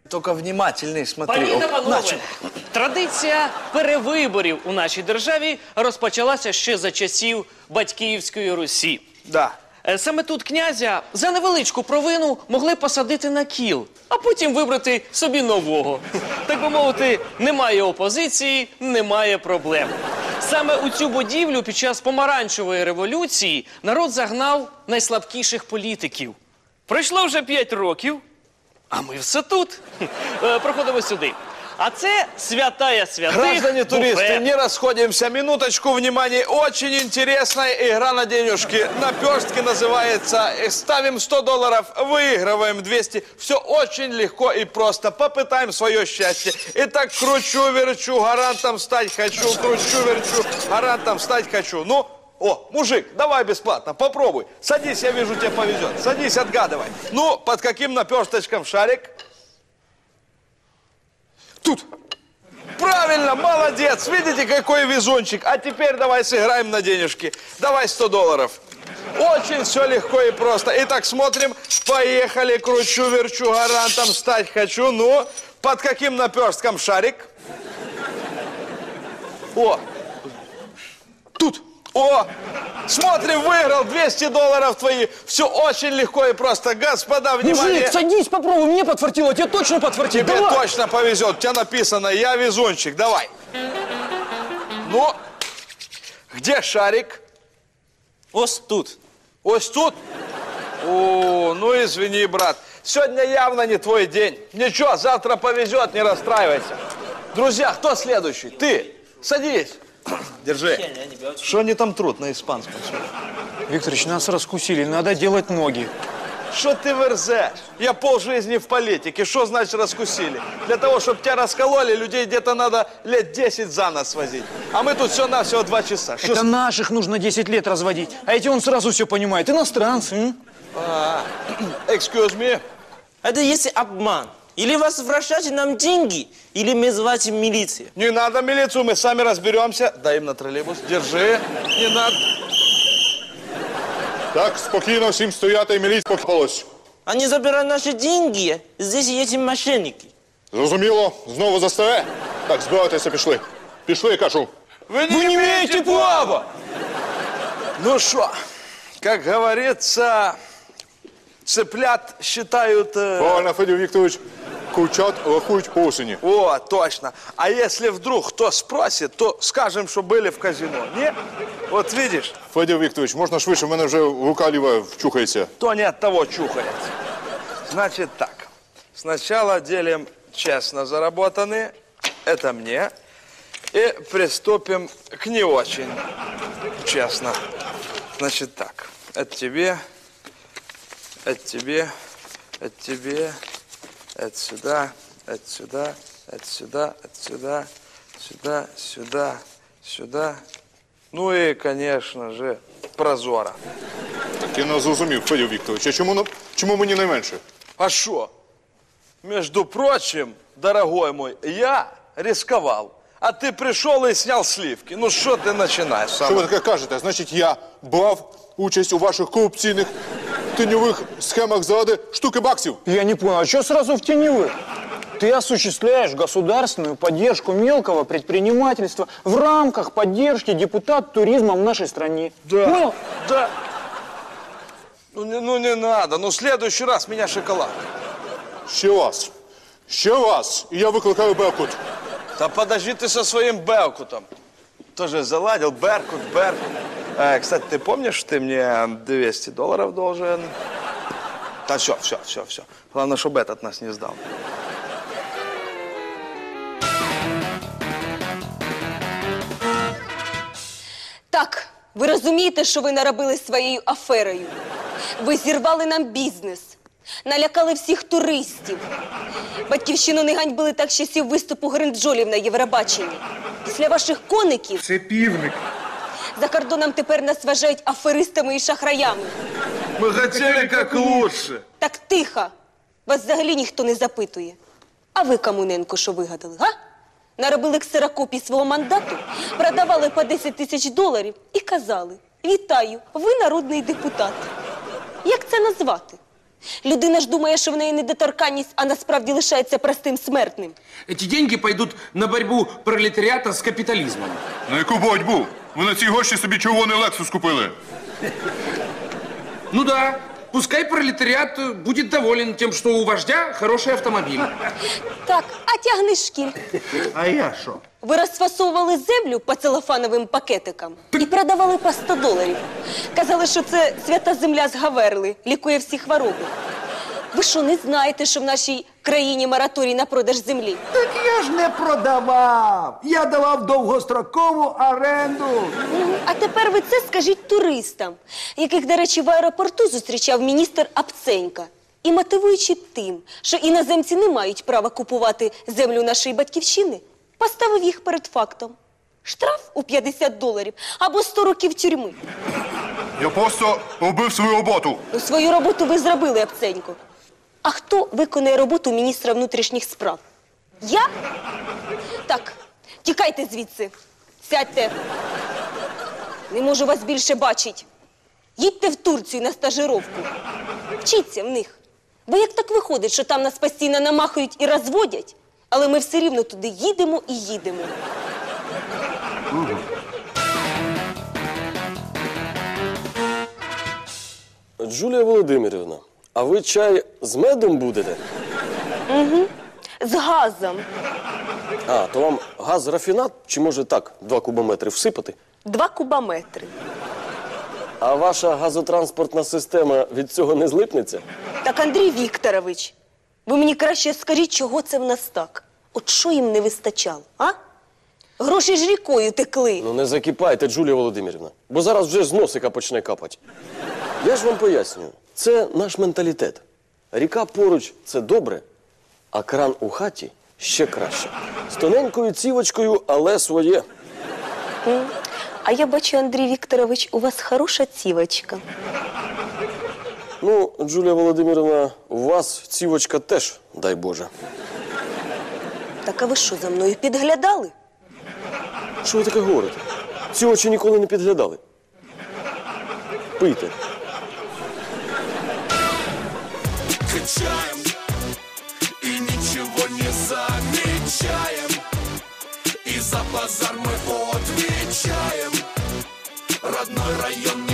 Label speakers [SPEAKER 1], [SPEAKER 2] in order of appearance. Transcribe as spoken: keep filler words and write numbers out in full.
[SPEAKER 1] Только внимательней смотри.
[SPEAKER 2] Пані та
[SPEAKER 1] О,
[SPEAKER 2] панове,
[SPEAKER 1] начал.
[SPEAKER 2] традиція перевиборів у нашій державі розпочалася ще за часів Батьківської Русі.
[SPEAKER 1] Да.
[SPEAKER 2] Е, Саме тут князя за невеличку провину могли посадити на кіл, а потім вибрати собі нового. Так би мовити, немає опозиції, немає проблем. Саме у цю будівлю під час помаранчевої революції народ загнав найслабкіших політиків. Пройшло вже п'ять років, а ми все тут. Е, Проходимо сюди. А це святая святых.
[SPEAKER 1] Граждане туристы,
[SPEAKER 2] буфет.
[SPEAKER 1] не расходимся. Минуточку внимания. Очень интересная игра на денежки. Наперстки называется. Ставим сто долларов, выигрываем двести. Все очень легко и просто. Попытаем свое счастье. Итак, кручу-верчу, гарантом стать хочу. Кручу-верчу, гарантом стать хочу. Ну, о, мужик, давай бесплатно, попробуй. Садись, я вижу, тебе повезет. Садись, отгадывай. Ну, под каким наперсточком шарик? Тут. Правильно, молодец. Видите, какой везунчик. А теперь давай сыграем на денежки. Давай сто долларов. Очень все легко и просто. Итак, смотрим. Поехали. Кручу-верчу, гарантом стать хочу. Ну, под каким наперстком шарик? О. Тут. О. Смотрим, выиграл двести долларов твои. Все очень легко и просто. Господа, внимание.
[SPEAKER 3] Мужик, садись, попробуй, мне подфартило, тебе точно подфартит.
[SPEAKER 1] Тебе
[SPEAKER 3] Давай.
[SPEAKER 1] точно повезет. У тебя написано «Я везунчик». Давай. Ну, где шарик?
[SPEAKER 4] Ось тут.
[SPEAKER 1] Ось тут? О, ну извини, брат. Сегодня явно не твой день. Ничего, завтра повезет, не расстраивайся. Друзья, кто следующий? Ты. Садись. Держи. Что они там трут на испанском?
[SPEAKER 3] Викторович, нас раскусили, надо делать ноги.
[SPEAKER 1] Что ты верзешь? Я полжизни в политике. Что значит раскусили? Для того, чтобы тебя раскололи, людей где-то надо лет десять за нас возить. А мы тут все-навсего два часа. Шо
[SPEAKER 3] Это
[SPEAKER 1] с-
[SPEAKER 3] наших нужно десять лет разводить, а эти он сразу все понимает. Иностранцы, м?
[SPEAKER 1] А, excuse me.
[SPEAKER 4] Это если обман. Или возвращайте нам деньги, или мы звать милицию.
[SPEAKER 1] Не надо милицию, мы сами разберемся. Дай им на троллейбус. Держи. Не надо.
[SPEAKER 5] Так, спокійно, всім стояти, і міліція покопалась.
[SPEAKER 4] Они забирают наши деньги, здесь эти мошенники.
[SPEAKER 5] Зрозуміло, знову застере? Так, збирайтеся, пішли. Пішли, кажу.
[SPEAKER 1] Вы не,
[SPEAKER 3] не имеете права!
[SPEAKER 1] Ну что, как говорится, цыплят считают... э,
[SPEAKER 5] Правильно, Федір Вікторович, курчат рахують по осені.
[SPEAKER 1] О, точно. А если вдруг кто спросит, то скажем, что были в казино. Не? Вот видишь,
[SPEAKER 5] Федір Вікторович, можна швидше, в мене вже рука ліва вчухається.
[SPEAKER 1] то не от того чухается. Значит так. Сначала делим честно заработанные. Это мне. И приступим к не очень честно. Значит так. Это тебе. Это тебе. Это тебе. Это сюда. Это сюда. Это сюда. Это сюда. Сюда. Сюда. Сюда. Ну и, конечно же, прозора.
[SPEAKER 5] Так я не зрозумів, Федір Вікторович, а чому, на- чому мені найменше?
[SPEAKER 1] А что? Между прочим, дорогой мой, я рисковал, а ты пришел и снял сливки. Ну что ты начинаешь?
[SPEAKER 5] Що ви таке кажете? Значить, я брав участь у ваших корупційних тіньових схемах заради штуки баксів?
[SPEAKER 3] Я не понял, а что сразу в теневых? Ты осуществляешь государственную поддержку мелкого предпринимательства в рамках поддержки депутат туризма в нашей стране.
[SPEAKER 1] Да.
[SPEAKER 3] Понял?
[SPEAKER 1] Да. Ну не, ну не надо, ну в следующий раз меня шоколад.
[SPEAKER 5] Ще раз. Ще раз. І я викликаю Беркут.
[SPEAKER 1] Да подожди ты со своим Беркутом. Тоже заладил, Беркут, Беркут. Э, кстати, ты помнишь, ты мне двести долларов должен? Да все, все, все, все. Главное, чтобы этот нас не сдал.
[SPEAKER 6] Так, ви розумієте, що ви наробили своєю аферою? Ви зірвали нам бізнес, налякали всіх туристів. Батьківщину не ганьбили так з часів виступу гринджолів на Євробаченні. Після ваших коників
[SPEAKER 7] Це півник.
[SPEAKER 6] за кордоном тепер нас вважають аферистами і шахраями.
[SPEAKER 1] Мы хотели как лучше.
[SPEAKER 6] Так тихо, вас взагалі ніхто не запитує. А ви, Камуненко, що вигадали, га? Наробили ксерокопії свого мандату, продавали по десять тисяч доларів і казали: «Вітаю, ви народний депутат». Як це назвати? Людина ж думає, що в неї недоторканність, а насправді лишається простим смертним.
[SPEAKER 7] Эти деньги пойдут на борьбу пролетариата с капитализмом.
[SPEAKER 5] На яку боротьбу? Ви на ці гроші собі червоний Лексус купили.
[SPEAKER 7] Ну да, пускай пролетариат э, будет доволен тем, что у вождя хороший автомобиль.
[SPEAKER 6] Так, а тягни шкіль.
[SPEAKER 8] А я що?
[SPEAKER 6] Ви розфасовували землю по целофановим пакетикам і продавали по сто доларів. Казали, що це свята земля з Гаверли, лікує всі хвороби. Ви що, не знаєте, що в нашій країні мораторій на продаж землі?
[SPEAKER 8] Так я ж не продавав. Я давав довгострокову оренду.
[SPEAKER 6] Мгм. А тепер ви це скажіть туристам, яких, до речі, в аеропорту зустрічав міністр Апценька. І мотивуючи тим, що іноземці не мають права купувати землю нашої батьківщини, поставив їх перед фактом. Штраф у п'ятдесят доларів або сто років тюрми.
[SPEAKER 5] Я просто робив свою роботу.
[SPEAKER 6] Ну, свою роботу ви зробили, Апценько. А хто виконує роботу міністра внутрішніх справ? Я? Так, тікайте звідси. Сядьте. Не можу вас більше бачити. Їдьте в Турцію на стажировку. Вчіться в них. Бо як так виходить, що там нас постійно намахають і розводять, але ми все рівно туди їдемо і їдемо.
[SPEAKER 9] Джулія Володимирівна, а ви чай з медом будете?
[SPEAKER 6] З газом.
[SPEAKER 9] А, то вам газ-рафінат, чи може так, два кубометри всипати?
[SPEAKER 6] Два кубометри.
[SPEAKER 9] А ваша газотранспортна система від цього не злипнеться?
[SPEAKER 6] Так, Андрій Вікторович, ви мені краще скажіть, чого це в нас так? От що їм не вистачало, а? Гроші ж рікою текли.
[SPEAKER 9] Ну не закипайте, Джулія Володимирівна, бо зараз вже з носика почне капати. Я ж вам пояснюю, це наш менталітет. Ріка поруч – це добре, а кран у хаті – ще краще. З тоненькою цівочкою, але своє.
[SPEAKER 6] А я бачу, Андрій Вікторович, у вас хороша цівочка.
[SPEAKER 9] Ну, Джулія Володимирівна, у вас цівочка теж, дай Боже.
[SPEAKER 6] Так, а ви що, за мною підглядали?
[SPEAKER 9] Що ви таке говорите? Ці очі ніколи не підглядали. Пийте.
[SPEAKER 10] Качаем и ничего не замечаем, и за базар мы отвечаем. Родной район